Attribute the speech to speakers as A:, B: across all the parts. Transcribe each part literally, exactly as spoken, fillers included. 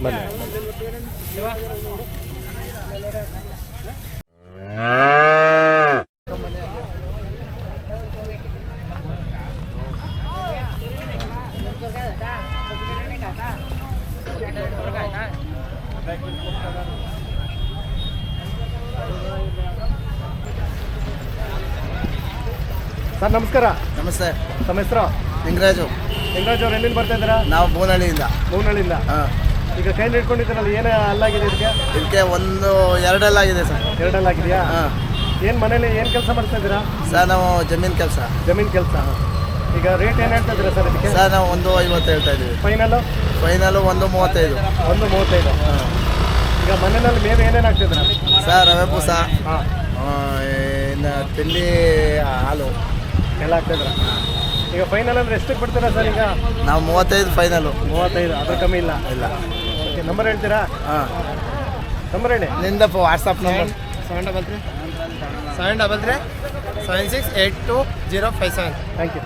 A: ಬನ್ನಿ. ಸರ್ ನಮಸ್ಕಾರ.
B: ನಮಸ್ತೆ.
A: ತಮ್ಮ ಹೆಸರು?
B: ಲಿಂಗರಾಜು.
A: ಲಿಂಗರಾಜ್ ಅವ್ರು ಎಲ್ಲಿಂದ ಬರ್ತಾ ಇದ್ದೀರಾ?
B: ನಾವು ಬೂನಹಳ್ಳಿಯಿಂದ.
A: ಬೂನಹಳ್ಳಿಯಿಂದ.
B: ಹಾಂ.
A: ಈಗ ಕೈಲಿ ಇಟ್ಕೊಂಡಿದ್ದೀರಲ್ಲ, ಏನೇ ಅಲ್ಲಾಗಿದೆ ಇದಕ್ಕೆ?
B: ಇದಕ್ಕೆ ಒಂದು ಎರಡೆಲ್ಲಾಗಿದೆ ಸರ್.
A: ಎರಡಲ್ಲಾಗಿದೆಯಾ?
B: ಹಾಂ.
A: ಏನು ಮನೇಲಿ ಏನು ಕೆಲಸ ಮಾಡ್ತಾ ಇದ್ದೀರಾ?
B: ಸರ್ ನಾವು ಜಮೀನು ಕೆಲಸ.
A: ಜಮೀನು ಕೆಲಸ. ಈಗ ರೇಟ್ ಏನು ಹೇಳ್ತಾ ಇದ್ದೀರಾ ಸರ್ ಇದಕ್ಕೆ?
B: ಸರ್ ನಾವು ಒಂದು ಐವತ್ತು ಹೇಳ್ತಾ ಇದ್ದೀವಿ.
A: ಫೈನಲು?
B: ಫೈನಲು ಒಂದು ಮೂವತ್ತೈದು.
A: ಒಂದು ಮೂವತ್ತೈದು. ಹಾಂ. ಈಗ ಮನೆಯಲ್ಲಿ ಮೇವು ಏನೇನು ಹಾಕ್ತಿದ್ದೀರಾ?
B: ಸರ್ ರವೆ ಬೂಸ,
A: ಹಾಂ,
B: ಇನ್ನು ತಿಂಡಿ, ಹಾಲು
A: ಎಲ್ಲ ಹಾಕ್ತಿದ್ರ. ಈಗ ಫೈನಲ್ ಅಂದ್ರೆ ಎಷ್ಟಕ್ಕೆ ಬಿಡ್ತೀರಾ ಸರ್? ಈಗ
B: ನಾವು ಮೂವತ್ತೈದು ಫೈನಲು.
A: ಮೂವತ್ತೈದು, ಅದ್ರ ಕಮ್ಮಿ ಇಲ್ಲ?
B: ಇಲ್ಲ.
A: ಓಕೆ, ನಂಬರ್ ಹೇಳ್ತೀರಾ?
B: ಹಾಂ,
A: ನಂಬರ್ ಹೇಳಿ.
B: ನಿಂದ WhatsApp number
C: seven double three seven double three seven six eight two zero five seven.
A: Thank you.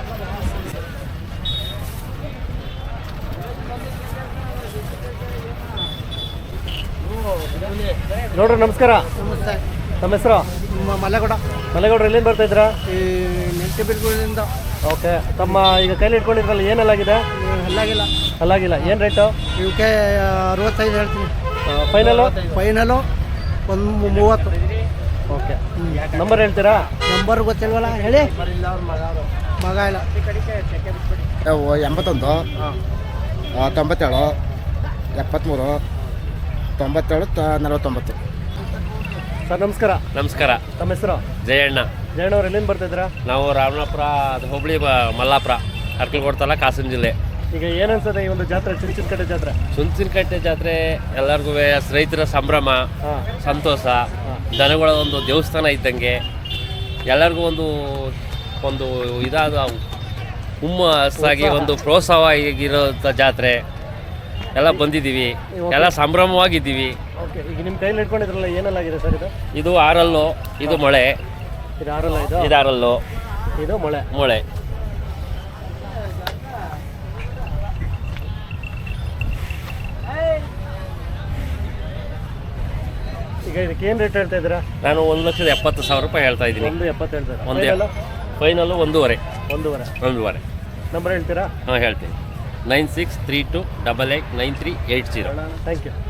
A: ನೋಡ್ರಿ ನಮಸ್ಕಾರ.
C: ನಮಸ್ತೆ.
A: ತಮ್ಮ ಹೆಸರು?
C: ಮಲೆಗೌಡ.
A: ಮಲೆಗೌಡ್ರು ಎಲ್ಲಿಂದ ಬರ್ತಾ ಇದ್ದೀರಾ?
C: ಈ ನೆಂಟಿಬಿರ್ಗಳಿಂದ.
A: ಓಕೆ. ತಮ್ಮ ಈಗ ಕೈಲಿ ಇಟ್ಕೊಂಡಿದ್ರಲ್ಲ, ಏನಲ್ಲಾಗಿದೆ?
C: ಅಲ್ಲಾಗಿಲ್ಲ.
A: ಅಲ್ಲಾಗಿಲ್ಲ. ಏನು ರೇಟು?
C: ಇವಕ್ಕೆ ಅರವತ್ತೈದು ಹೇಳ್ತೀನಿ.
A: ಫೈನಲು?
C: ಫೈನಲು ಒಂದು ಮೂವತ್ತು.
A: ಓಕೆ. ನಂಬರ್ ಹೇಳ್ತೀರಾ?
C: ನಂಬರ್ ಗೊತ್ತಿಲ್ವಲ್ಲ, ಹೇಳಿ. ಮಗ ಇಲ್ಲ.
B: ಎಂಬತ್ತೊಂದು, ತೊಂಬತ್ತೇಳು, ಎಪ್ಪತ್ತ್ಮೂರು, ತೊಂಬತ್ತೇಳು, ನಲವತ್ತೊಂಬತ್ತು.
A: ಸರ್ ನಮಸ್ಕಾರ.
D: ನಮಸ್ಕಾರ.
A: ತಮ್ಮ ಹೆಸರು?
D: ಜಯಣ್ಣ.
A: ಜಯಣ್ಣ ಅವ್ರು ಎಲ್ಲಿಂದ ಬರ್ತಿದ್ದೀರಾ?
D: ನಾವು ರಾಮನಾಪುರ ಹುಬ್ಳಿ ಮಲ್ಲಾಪುರ ಅರ್ಕಲ್ಕೋಟ್ ತಾಲೂಕು ಹಾಸನ ಜಿಲ್ಲೆ.
A: ಈಗ ಏನನ್ಸದೆ ಈ ಒಂದು ಜಾತ್ರೆ, ಚುಂಚನಕಟ್ಟೆ ಜಾತ್ರೆ?
D: ಚುಂಚನಕಟ್ಟೆ ಜಾತ್ರೆ ಎಲ್ಲರಿಗೂ ರೈತರ ಸಂಭ್ರಮ,
A: ಹಾಂ,
D: ಸಂತೋಷ. ದನಗಳ ಒಂದು ದೇವಸ್ಥಾನ ಇದ್ದಂಗೆ ಎಲ್ಲರಿಗೂ ಒಂದು ಒಂದು ಇದಾದ ಹುಮ್ಮಸ್ಸಾಗಿ ಒಂದು ಪ್ರೋತ್ಸಾಹವಾಗಿರೋಂಥ ಜಾತ್ರೆ. ಎಲ್ಲ ಬಂದಿದ್ದೀವಿ, ಎಲ್ಲ ಸಂಭ್ರಮವಾಗಿದ್ದೀವಿ.
A: ಓಕೆ. ಈಗ ನಿಮ್ಮ ಕೈಲಿ ಇಟ್ಕೊಂಡಿದ್ರಲ್ಲ, ಏನಲ್ಲಾಗಿದೆ ಸರ್ ಇದು?
D: ಇದು ಆರಲ್ಲು, ಇದು ಮೊಳೆ.
A: ಇದು ಆರಲ್ಲ? ಇದು
D: ಇದು ಆರಲ್ಲು,
A: ಇದು ಮೊಳೆ.
D: ಮೊಳೆ.
A: ಈಗ ಇದಕ್ಕೆ ಏನು ರೇಟ್ ಹೇಳ್ತಾ ಇದ್ದೀರಾ?
D: ನಾನು ಒಂದು ಲಕ್ಷದ ಎಪ್ಪತ್ತು ಸಾವಿರ ರೂಪಾಯಿ ಹೇಳ್ತಾ ಇದ್ದೀನಿ.
A: ಒಂದು ಎಪ್ಪತ್ತು ಹೇಳ್ತಾರೆ.
D: ಒಂದೇ ಫೈನಲ್ಲು ಒಂದೂವರೆ.
A: ಒಂದೂವರೆ.
D: ಒಂದೂವರೆ.
A: ನಂಬರ್ ಹೇಳ್ತೀರಾ?
D: ಹಾಂ ಹೇಳ್ತೀನಿ. Nine six three two double eight nine three eight zero.
A: Thank you.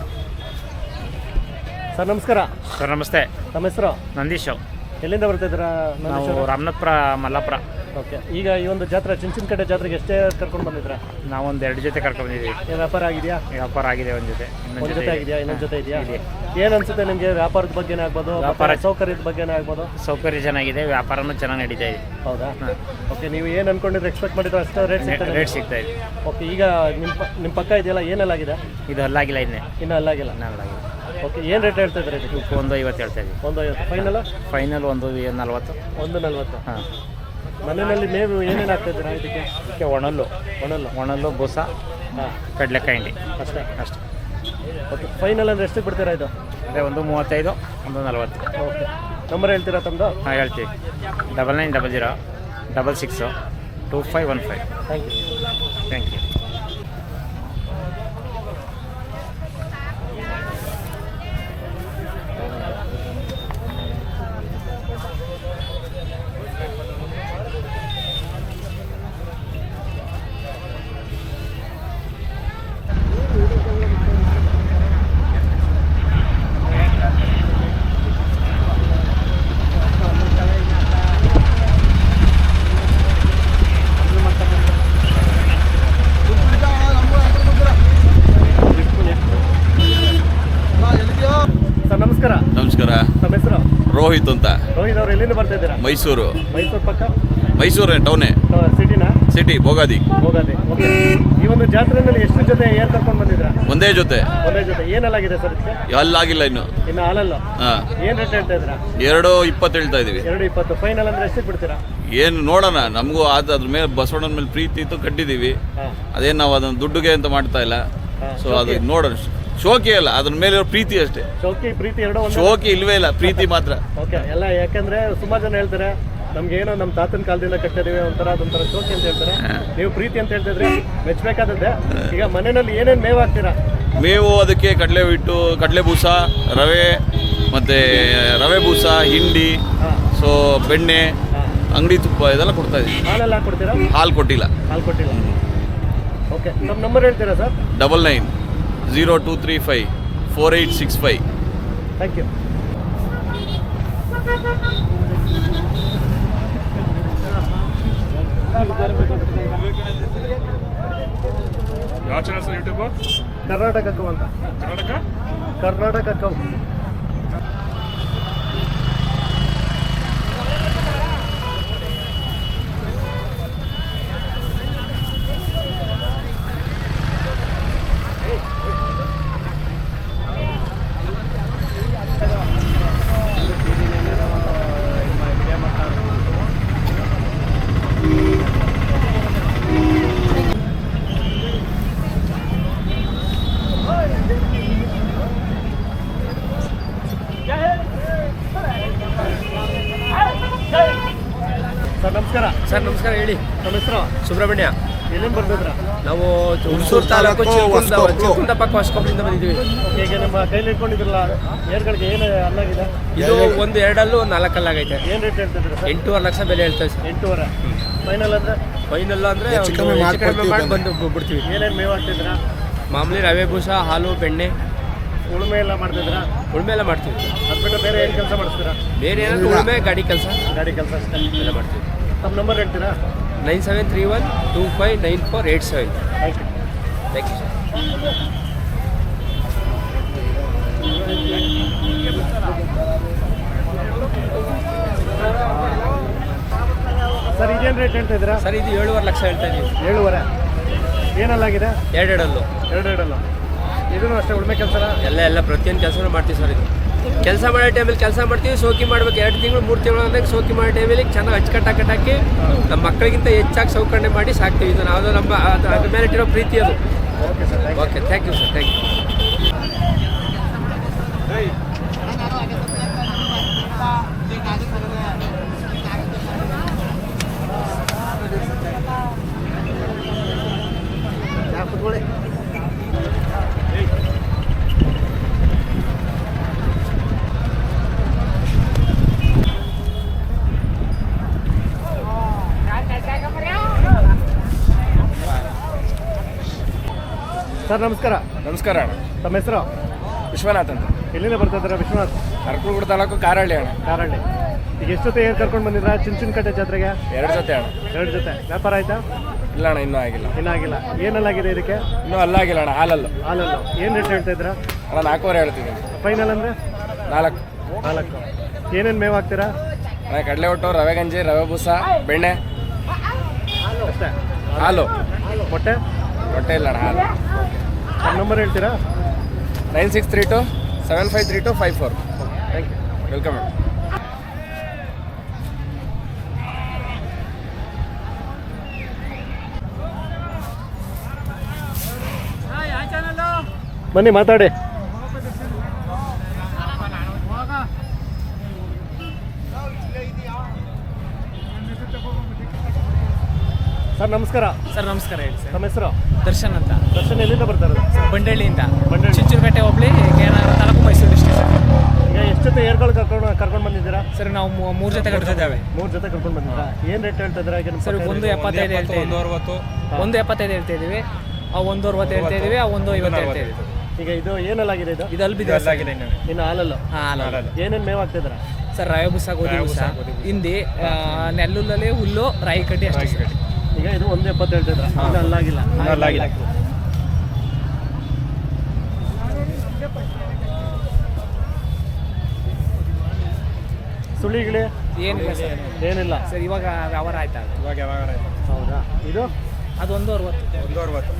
A: Sir ನಮಸ್ಕಾರ.
E: ಸರ್ ನಮಸ್ತೆ.
A: ತಮ್ಮ ಹೆಸರು?
E: ನಂದೀಶ್.
A: ಎಲ್ಲಿಂದ ಬರ್ತಿದ್ದೀರಾ?
E: ನಾವು ರಾಮನಾಥಪುರ ಮಲ್ಲಾಪುರ.
A: ಓಕೆ. ಈಗ ಈ ಒಂದು ಜಾತ್ರೆ, ಚುಂಚನಕಟ್ಟೆ ಜಾತ್ರೆಗೆ ಎಷ್ಟೇ ಕರ್ಕೊಂಡು ಬಂದಿದ್ರಾ?
E: ನಾವೊಂದು ಎರಡು ಜೊತೆ ಕರ್ಕೊಂಡು ಬಂದಿದ್ದೀವಿ.
A: ಏನು ವ್ಯಾಪಾರ ಆಗಿದೆಯಾ?
E: ವ್ಯಾಪಾರ ಆಗಿದೆ. ಒಂದು ಜೊತೆ
A: ಒಂದು ಜೊತೆ ಆಗಿದೆಯಾ? ಇನ್ನೊಂದು ಜೊತೆ ಇದೆಯಾ? ಏನು ಅನ್ಸುತ್ತೆ ನಿಮಗೆ? ವ್ಯಾಪಾರದ ಬಗ್ಗೆನೇ ಆಗ್ಬೋದು,
E: ವ್ಯಾಪಾರ
A: ಸೌಕರ್ಯದ ಬಗ್ಗೆನೇ ಆಗ್ಬೋದು?
E: ಸೌಕರ್ಯ ಚೆನ್ನಾಗಿದೆ, ವ್ಯಾಪಾರನೂ ಚೆನ್ನಾಗಿ ನಡೀತಾ ಇದೆ.
A: ಹೌದಾ? ಓಕೆ. ನೀವು ಏನು ಅನ್ಕೊಂಡಿದ್ರೆ, ಎಕ್ಸ್ಪೆಕ್ಟ್ ಮಾಡಿದ್ರೆ ಅಷ್ಟು ರೇಟ್
E: ರೇಟ್ ಸಿಗ್ತಾ ಇದೆ.
A: ಓಕೆ. ಈಗ ನಿಮ್ಮ ನಿಮ್ಮ ಪಕ್ಕ ಇದೆಯಲ್ಲ, ಏನೆಲ್ಲಾಗಿದೆ?
E: ಇದು ಅಲ್ಲಾಗಿಲ್ಲ, ಇನ್ನೇ
A: ಇನ್ನೂ ಅಲ್ಲಾಗಿಲ್ಲ.
E: ಅಲ್ಲಾಗಿಲ್ಲ.
A: ಓಕೆ. ಏನು ರೇಟ್ ಹೇಳ್ತಾ ಇದ್ದಾರೆ ಇದಕ್ಕೆ?
E: ಒಂದು ಐವತ್ತು ಹೇಳ್ತಾ ಇದ್ದೀವಿ.
A: ಒಂದು ಐವತ್ತು. ಫೈನಲ್?
E: ಫೈನಲ್ ಒಂದು ನಲ್ವತ್ತು.
A: ಒಂದು ನಲ್ವತ್ತು.
E: ಹಾಂ.
A: ಮನೆಯಲ್ಲಿ ಮೇವು ಏನೇನು ಹಾಕ್ತಿದ್ದೀರಾ ಇದಕ್ಕೆ?
E: ಇದಕ್ಕೆ ಒಣಲ್ಲು,
A: ಒಣಲ್ಲು,
E: ಒಣಲ್ಲು, ಬೂಸ,
A: ಹಾಂ,
E: ಕಡಲೆಕಾಯಿ ಹಿಂಡಿ
A: ಅಷ್ಟೇ.
E: ಅಷ್ಟೇ.
A: ಓಕೆ. ಫೈನಲ್ ಅಂದರೆ ಎಷ್ಟಕ್ಕೆ ಬಿಡ್ತೀರಾ ಇದು?
E: ಅದೇ ಒಂದು ಮೂವತ್ತೈದು, ಒಂದು ನಲ್ವತ್ತು.
A: ಓಕೆ. ನಂಬರ್ ಹೇಳ್ತೀರಾ ತಮ್ಮದು?
E: ಹಾಂ ಹೇಳ್ತೀವಿ. Double nine double zero double six two five one five.
A: Thank you.
E: Thank you.
A: ನಮಸ್ಕಾರ.
F: ನಮಸ್ಕಾರ.
A: ತಮ್ಮ ಹೆಸರು?
F: ರೋಹಿತ್ ಅಂತ.
A: ರೋಹಿತ್ ಅವ್ರು ಎಲ್ಲಿಂದ ಬರ್ತಾ ಇದ್ದೀರಾ?
F: ಮೈಸೂರು.
A: ಮೈಸೂರು ಪಕ್ಕ?
F: ಮೈಸೂರು ಟೌನೇ.
A: ಸಿಟಿನಾ?
F: ಸಿಟಿ ಭೋಗಾದಿ.
A: ಹೋಗದೆ. ಓಕೆ. ಈ ಒಂದು ಜಾತ್ರೆಯಲ್ಲಿ ಎಷ್ಟು ಜೊತೆ ಏರ್ ಕರ್ಕೊಂಡು ಬಂದಿದ್ರಾ?
F: ಒಂದೇ ಜೊತೆ.
A: ಒಂದೇ ಜೊತೆ. ಏನಲ್ಲಾಗಿದೆ ಸರ್ ಇದಕ್ಕೆ?
F: ಅಲ್ಲಾಗಿಲ್ಲ ಇನ್ನು.
A: ಇನ್ನು ಹಾಲಲ್ಲ?
F: ಹಾಂ.
A: ಏನು ರೇಟ್ ಹೇಳ್ತಾ ಇದ್ದೀರಾ?
F: ಎರಡು ಇಪ್ಪತ್ತು ಹೇಳ್ತಾ ಇದೀವಿ.
A: ಎರಡು ಇಪ್ಪತ್ತು. ಫೈನಲ್ ಅಂದರೆ ಎಷ್ಟಕ್ಕೆ ಬಿಡ್ತೀರಾ?
F: ಏನು ನೋಡೋಣ, ನಮಗೂ ಅದು ಅದ್ರ ಮೇಲೆ ಬಸವಣ್ಣನ ಮೇಲೆ ಪ್ರೀತಿ ಇತ್ತು ಕಟ್ಟಿದ್ದೀವಿ.
A: ಹಾಂ.
F: ಅದೇನು ನಾವು ಅದನ್ನು ದುಡ್ಡುಗೆ ಅಂತ ಮಾಡ್ತಾ ಇಲ್ಲ. ಸೊ ಅದು ನೋಡೋಣ. ಶೋಕಿ ಅಲ್ಲ, ಅದ್ರ ಮೇಲೆ ಪ್ರೀತಿ ಅಷ್ಟೇ.
A: ಶೋಕಿ ಪ್ರೀತಿ ಎರಡೋ ಒಂದು?
F: ಶೋಕಿ ಇಲ್ವೇ ಇಲ್ಲ, ಪ್ರೀತಿ ಮಾತ್ರ.
A: ಓಕೆ. ಎಲ್ಲ ಯಾಕಂದ್ರೆ ಸುಮಾರು ಜನ ಹೇಳ್ತಾರೆ ನಮ್ಗೆ ಏನೋ ನಮ್ಮ ತಾತನ ಕಾಲದಿಂದ ಕಟ್ಟಿದೀವಿ ಒಂಥರ ಅದೊಂಥರ ಶೋಕಿ ಅಂತ ಹೇಳ್ತಾರೆ. ನೀವು ಪ್ರೀತಿ ಅಂತ ಹೇಳ್ತಿದ್ರಿ, ಮೆಚ್ಚಬೇಕಾದದ್ದೇ. ಈಗ ಮನೆಯಲ್ಲಿ ಏನೇನು ಮೇವು ಹಾಕ್ತೀರಾ?
F: ಮೇವು ಅದಕ್ಕೆ ಕಡಲೆ ಹಿಟ್ಟು, ಕಡಲೆ ಬೂಸ, ರವೆ ಮತ್ತು ರವೆ ಬೂಸ, ಹಿಂಡಿ, ಸೊ ಬೆಣ್ಣೆ, ಅಂಗಡಿ ತುಪ್ಪ ಇದೆಲ್ಲ ಕೊಡ್ತಾ ಇದ್ದೀವಿ.
A: ಹಾಲೆಲ್ಲ ಹಾಕ್ಕೊಡ್ತೀರಾ?
F: ಹಾಲು ಕೊಟ್ಟಿಲ್ಲ.
A: ಹಾಲು ಕೊಟ್ಟಿಲ್ಲ. ಓಕೆ, ನಮ್ಮ ನಂಬರ್ ಹೇಳ್ತೀರಾ sir?
F: Double nine zero two three five four eight six five.
A: Thank you.
G: ಯಾವ channel sir YouTube?
A: Karnataka cow ಅಂತ.
G: ಕರ್ನಾಟಕ
A: ಕರ್ನಾಟಕ ಕೌ. ಸರ್ ನಮಸ್ಕಾರ.
C: ಸರ್ ನಮಸ್ಕಾರ, ಹೇಳಿ.
A: ನಮ್ಮ ಹೆಸರು?
C: ಸುಬ್ರಹ್ಮಣ್ಯ.
A: ಎಲ್ಲಿಂದ ಬರ್ತಿದ್ರ?
C: ನಾವು ಹುಣಸೂರು ತಾಲೂಕು ಚಿಕ್ಕುಂದ ಪಕ್ಕ ಹೊಸಕೊಪ್ಪಲಿಂದ ಬಂದಿದ್ದೀವಿ.
A: ಓಕೆ, ಈಗ ನಮ್ಮ ಕೈಲಿ ಇಟ್ಕೊಂಡಿದ್ರಲ್ಲ ಏರ್ಗಳಿಗೆ ಏನು ಅಲ್ಲಾಗಿದೆ?
C: ಇದು ಒಂದು ಎರಡಲ್ಲೂ ಒಂದು ನಾಲ್ಕಲ್ಲಾಗೈತೆ.
A: ಏನು ರೇಟ್ ಹೇಳ್ತಿದ್ದೀರಾ ಸರ್?
C: ಎಂಟೂವರೆ ಲಕ್ಷ ಬೆಲೆ ಹೇಳ್ತೇವೆ ಸರ್.
A: ಎಂಟೂವರೆ. ಫೈನಲ್ ಅಂದರೆ
C: ಫೈನಲ್ ಅಂದರೆ ಮಾಡಿ ಬಂದು ಬಿಡ್ತೀವಿ.
A: ಏನೇನು ಮೇವು ಹಾಕ್ತಿದ್ದೀರಾ?
C: ಮಾಮೂಲಿ ರವೆ ಬೂಸ, ಹಾಲು, ಬೆಣ್ಣೆ,
A: ಉಳುಮೆ ಎಲ್ಲ ಮಾಡ್ತಿದ್ದೀರಾ?
C: ಉಳುಮೆ ಎಲ್ಲ ಮಾಡ್ತೀವಿ.
A: ಅದು ಬಿಟ್ಟು ಬೇರೆ ಏನು ಕೆಲಸ ಮಾಡಿಸ್ತೀರಾ?
C: ಬೇರೆ ಏನಾದ್ರು ಉಳುಮೆ, ಗಾಡಿ ಕೆಲಸ
A: ಗಾಡಿ ಕೆಲಸ ಅಷ್ಟೇ
C: ಎಲ್ಲ ಮಾಡ್ತೀವಿ.
A: ನಮ್ಮ ನಂಬರ್ ಹೇಳ್ತೀರಾ?
C: Nine seven three one two five nine four eight seven.
A: Thank you.
C: Thank you sir.
A: Sir ಇದೇನು ರೇಟ್ ಹೇಳ್ತಾ ಇದ್ದೀರಾ?
C: ಸರ್ ಇದು ಏಳುವರೆ ಲಕ್ಷ ಹೇಳ್ತಾ ಇದೀವಿ.
A: ಏಳುವರೆ. ಏನಲ್ಲಾಗಿದೆ?
C: ಎರಡೆರಡಲ್ಲೂ
A: ಎರಡು ಎರಡಲ್ಲ. ಇದನ್ನು ಅಷ್ಟೇ ಉಳುಮೆ ಕೆಲಸ?
C: ಎಲ್ಲ ಎಲ್ಲ ಪ್ರತಿಯೊಂದು ಕೆಲಸನೂ ಮಾಡ್ತೀವಿ ಸರ್. ಇದು ಕೆಲಸ ಮಾಡೋ ಟೈಮಲ್ಲಿ ಕೆಲಸ ಮಾಡ್ತೀವಿ, ಸೋಕಿ ಮಾಡ್ಬೇಕು. ಎರಡು ತಿಂಗಳು ಮೂರು ತಿಂಗಳು ಅಂದಾಗ ಸೋಕಿ ಮಾಡೋ ಟೈಮಲ್ಲಿ ಚೆನ್ನಾಗಿ ಅಚ್ಚುಕಟ್ಟಾಗಿ ಕಟ್ಟಾಕಿ ನಮ್ಮ ಮಕ್ಕಳಿಗಿಂತ ಹೆಚ್ಚಾಗಿ ಸೌಕರ್ಯ ಮಾಡಿ ಸಾಕ್ತೀವಿ. ಇದು ನಾವು ನಮ್ಮ ಅದು ಅದ್ರ ಮೇಲೆ ಇಟ್ಟಿರೋ ಪ್ರೀತಿ ಅದು.
A: Okay sir.
C: Okay, thank you sir. Thank you.
A: ಕೂತ್ಕೊಳ್ಳಿ. ಸರ್ ನಮಸ್ಕಾರ.
E: ನಮಸ್ಕಾರ ಅಣ್ಣ.
A: ತಮ್ಮ ಹೆಸರು?
E: ವಿಶ್ವನಾಥ್ ಅಂತ.
A: ಎಲ್ಲಿಂದ ಬರ್ತಾ ಇದ್ದೀರಾ ವಿಶ್ವನಾಥ್?
E: ಅರಕಲಗೂಡು ತಾಲೂಕು ಕಾರಹಳ್ಳಿ ಅಣ್ಣ.
A: ಕಾರಹಳ್ಳಿ. ಈಗ ಎಷ್ಟು ಜೊತೆ ಏರ್ ಕರ್ಕೊಂಡು ಬಂದಿದ್ರಾ ಚಿಂಚನಕಟ್ಟೆ ಜಾತ್ರೆಗೆ?
E: ಎರಡು ಜೊತೆ ಅಣ್ಣ.
A: ಎರಡು ಜೊತೆ. ವ್ಯಾಪಾರ ಆಯ್ತಾ?
E: ಇಲ್ಲ ಅಣ್ಣ, ಇನ್ನೂ ಆಗಿಲ್ಲ.
A: ಇನ್ನೂ ಆಗಿಲ್ಲ. ಏನಲ್ಲಾಗಿದೆ ಇದಕ್ಕೆ?
E: ಇನ್ನೂ ಅಲ್ಲಾಗಿಲ್ಲ ಅಣ್ಣ, ಹಾಲಲ್ಲು.
A: ಹಾಲಲ್ಲು. ಏನು ರೇಟ್ ಹೇಳ್ತಾ ಇದ್ದೀರಾ?
E: ಅಣ್ಣ ನಾಲ್ಕೂವರೆ ಹೇಳ್ತಿದ್ದೀನಿ.
A: ಫೈನಲ್ ಅಂದರೆ?
E: ನಾಲ್ಕು.
A: ನಾಲ್ಕು. ಏನೇನು ಮೇವು ಹಾಕ್ತೀರಾ?
E: ಅಣ್ಣ ಕಡಲೆ ಒಟ್ಟು, ರವೆ ಗಂಜಿ, ರವೆ ಬೂಸ, ಬೆಣ್ಣೆ
A: ಅಷ್ಟೇ.
E: ಹಾಲು.
A: ಮೊಟ್ಟೆ?
E: ಮೊಟ್ಟೆ ಇಲ್ಲ ಅಣ್ಣ, ಹಾಲು.
A: ನಮ್ಮ ನಂಬರ್ ಹೇಳ್ತೀರಾ?
E: Nine six three two seven five three two five four.
A: Thank you.
E: Welcome madam.
A: ಬನ್ನಿ ಮಾತಾಡಿ. ಸರ್ ನಮಸ್ಕಾರ.
H: ಸರ್ ನಮಸ್ಕಾರ, ಹೇಳಿ ಸರ್.
A: ತಮ್ಮ ಹೆಸರು?
H: ದರ್ಶನ್ ಅಂತ.
A: ದರ್ಶನ್ ಎಲ್ಲಿಂದ ಬರ್ತಾರೆ?
H: ಬಂಡಳ್ಳಿಯಿಂದ.
A: ಬಂಡಳ್ಳಿ.
H: Chinchanakatte hobli, Kerala taluk, Mysuru district sir.
A: ಈಗ ಎಷ್ಟು ಜೊತೆ ಏರ್ಗಳು ಕರ್ಕೊಂಡು ಕರ್ಕೊಂಡು ಬಂದಿದ್ದೀರಾ?
H: ಸರ್ ನಾವು ಮೂ- ಮೂರು ಜೊತೆ ಕಟ್ತಿದ್ದೇವೆ.
A: ಮೂರು ಜೊತೆ ಕರ್ಕೊಂಡು ಬಂದಿದ್ದೀರಾ? ಏನು ರೇಟ್ ಹೇಳ್ತಾ ಇದ್ದೀರಾ? ಈಗ ನಮ್ಮ
H: ಸರ್
A: ಪಕ್ಕ
H: ಒಂದು
A: ಇದೆ.
H: ಎಪ್ಪತ್ತೈದು ಹೇಳ್ತಾ ಇದ್ದೀವಿ. ಒಂದು ಎಪ್ಪತ್ತೈದು ಹೇಳ್ತಾ ಇದ್ದೀವಿ. ಆ ಒಂದು ಅರವತ್ತು ಹೇಳ್ತಾ ಇದ್ದೀವಿ. ಆ ಒಂದು ಐವತ್ತು ಹೇಳ್ತಾ ಇದ್ದೀವಿ.
A: ಈಗ ಇದು ಏನಲ್ಲಾಗಿದೆ? ಇದು
H: ಇದು ಅಲ್ಬಿದೆ ಸರ್.
A: ಇನ್ನು ಹಾಲಲ್ಲು.
H: ಹಾಂ, ಹಾಲು.
A: ಏನೇನು ಮೇವು ಹಾಕ್ತಿದ್ದೀರಾ?
H: ಸರ್ ರವೆ ಬುಸ, ಗೋಧಿ ಬುಸ, ಹಿಂದಿ, ಆ, ನೆಲ್ಲುಲ್ಲಲ್ಲಿ ಹುಲ್ಲು, ರಾಗಿ ಕಡ್ಡಿ ಅಷ್ಟೇ ಸರ್.
A: ಈಗ ಇದು ಒಂದು ಎಪ್ಪತ್ತು ಹೇಳ್ತಿದ್ರ? ಇನ್ನು ಅಲ್ಲಾಗಿಲ್ಲ.
E: ಅಲ್ಲಾಗಿಲ್ಲ.
A: ಸುಳಿಗಿಳಿ
H: ಏನಿಲ್ಲ ಸರ್.
A: ಏನಿಲ್ಲ
H: ಸರ್ ಇವಾಗ ವ್ಯವಹಾರ ಆಯ್ತಾ?
E: ಇವಾಗ ಯಾವಾಗ
A: ಹೌದಾ? ಇದು
H: ಅದು ಒಂದು ಅರವತ್ತು.
E: ಒಂದು ಅರವತ್ತು.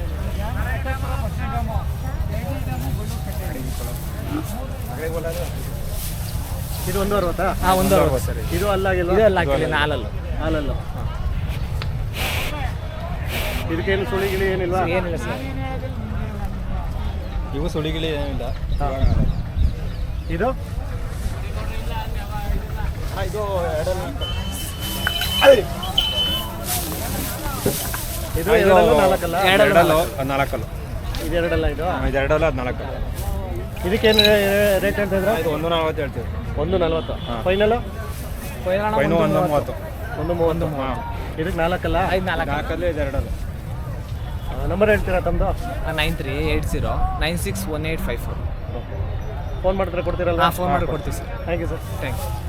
A: ಇದು ಒಂದು ಅರವತ್ತಾ?
H: ಹಾಂ, ಒಂದು ಅರವತ್ತು ಸರ್.
A: ಇದು ಅಲ್ಲಾಗಿಲ್ಲ.
H: ಇದು ಎಲ್ಲ ಹಾಕಿಲ್ಲ, ಹಾಲಲ್ಲು.
A: ಹಾಲಲ್ಲು. ಇದಕ್ಕೇನು ಸುಳಿಗಿಳಿ ಏನಿಲ್ವಾ?
H: ಏನಿಲ್ಲ ಸರ್.
E: ಇವು ಸುಳಿಗಿಳಿ ಏನಿಲ್ಲ.
A: ಇದು
E: ಇದು ಎರಡಲ್ಲ.
A: ಇದು ಎರಡಲ್ಲೂ ನಾಲ್ಕಲ್ಲ?
E: ಎರಡಲ್ಲೂ ನಾಲ್ಕಲ್ಲು.
A: ಇದೆರಡಲ್ಲ ಇದು
E: ಇದೆರಡಲ್ಲ ಹದಿನಾಲ್ಕು
A: ಇದಕ್ಕೇನು ರೇಟ್ ಹೇಳ್ತಾ ಇದ್ರ
E: ಇದು ಒಂದು ನಲ್ವತ್ತು ಹೇಳ್ತೀವಿ
A: ಒಂದು ನಲ್ವತ್ತು ಫೈನಲ್
E: ಫೈನು ಒಂದು ಮೂವತ್ತು
A: ಒಂದು ಮೂವತ್ತು ಇದಕ್ಕೆ ನಾಲ್ಕಲ್ಲ
H: ಐದು ನಾಲ್ಕು
E: ನಾಲ್ಕಲ್ಲಿ ಇದೆರಡಲ್ಲ
A: ನಂಬರ್ ಹೇಳ್ತೀರಾ ತಮ್ಮದು
H: nine three eight zero nine six one eight five four
A: phone ಮಾಡಿದ್ರೆ ಕೊಡ್ತೀರಲ್ಲ
H: ಹಾಂ ಫೋನ್ ಮಾಡಿ ಕೊಡ್ತೀವಿ sir
A: thank you sir
H: thank you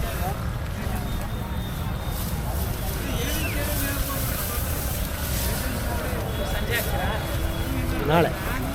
A: ನಾಳೆ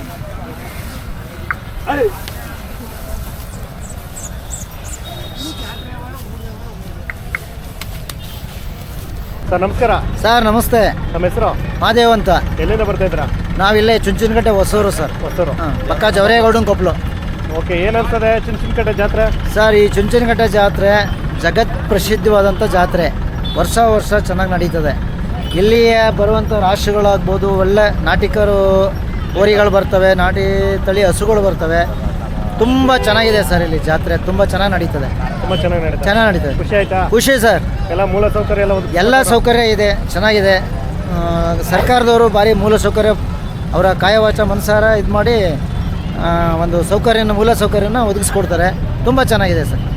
A: ಸರ್ ನಮಸ್ಕಾರ
B: ಸರ್ ನಮಸ್ತೆ,
A: ನಮ್ಮ ಹೆಸರು
B: ಮಾದೇವ್ ಅಂತ.
A: ಎಲ್ಲಿಂದ ಬರ್ತಾ ಇದ್ದೀರಾ?
B: ನಾವಿಲ್ಲೇ ಚುಂಚನಕಟ್ಟೆ ಹೊಸೂರು ಸರ್,
A: ಹೊಸೂರು.
B: ಪಕ್ಕ ಜವರೇಗೌಡನ ಕೊಪ್ಪಲು.
A: ಓಕೆ, ಏನನ್ಸದೆ ಚುಂಚನಕಟ್ಟೆ ಜಾತ್ರೆ?
B: ಸರ್ ಈ ಚುಂಚನಕಟ್ಟೆ ಜಾತ್ರೆ ಜಗತ್ ಪ್ರಸಿದ್ಧವಾದಂಥ ಜಾತ್ರೆ, ವರ್ಷ ವರ್ಷ ಚೆನ್ನಾಗಿ ನಡೀತದೆ. ಇಲ್ಲಿಯೇ ಬರುವಂಥ ರಾಶಿಗಳಾಗ್ಬೋದು, ಒಳ್ಳೆ ನಾಟಿಕರು ಹೋರಿಗಳು ಬರ್ತವೆ, ನಾಟಿ ತಳಿ ಹಸುಗಳು ಬರ್ತವೆ. ತುಂಬ ಚೆನ್ನಾಗಿದೆ ಸರ್ ಇಲ್ಲಿ ಜಾತ್ರೆ, ತುಂಬ ಚೆನ್ನಾಗಿ ನಡೀತದೆ.
A: ತುಂಬ ಚೆನ್ನಾಗಿ ನಡೀತದೆ.
B: ಚೆನ್ನಾಗಿ ನಡೀತದೆ.
A: ಖುಷಿ ಆಯ್ತಾ?
B: ಖುಷಿ ಸರ್.
A: ಎಲ್ಲ ಮೂಲ ಸೌಕರ್ಯ ಎಲ್ಲ ಒದಗಿಸಿ-
B: ಎಲ್ಲ ಸೌಕರ್ಯ ಇದೆ, ಚೆನ್ನಾಗಿದೆ. ಆ, ಸರ್ಕಾರದವರು ಭಾರಿ ಮೂಲ ಸೌಕರ್ಯ ಅವರ ಕಾಯವಾಚ ಮನಸಾರ ಇದು ಮಾಡಿ ಆ, ಒಂದು ಸೌಕರ್ಯನ ಮೂಲ ಸೌಕರ್ಯನ ಒದಗಿಸ್ಕೊಡ್ತಾರೆ. ತುಂಬ ಚೆನ್ನಾಗಿದೆ ಸರ್.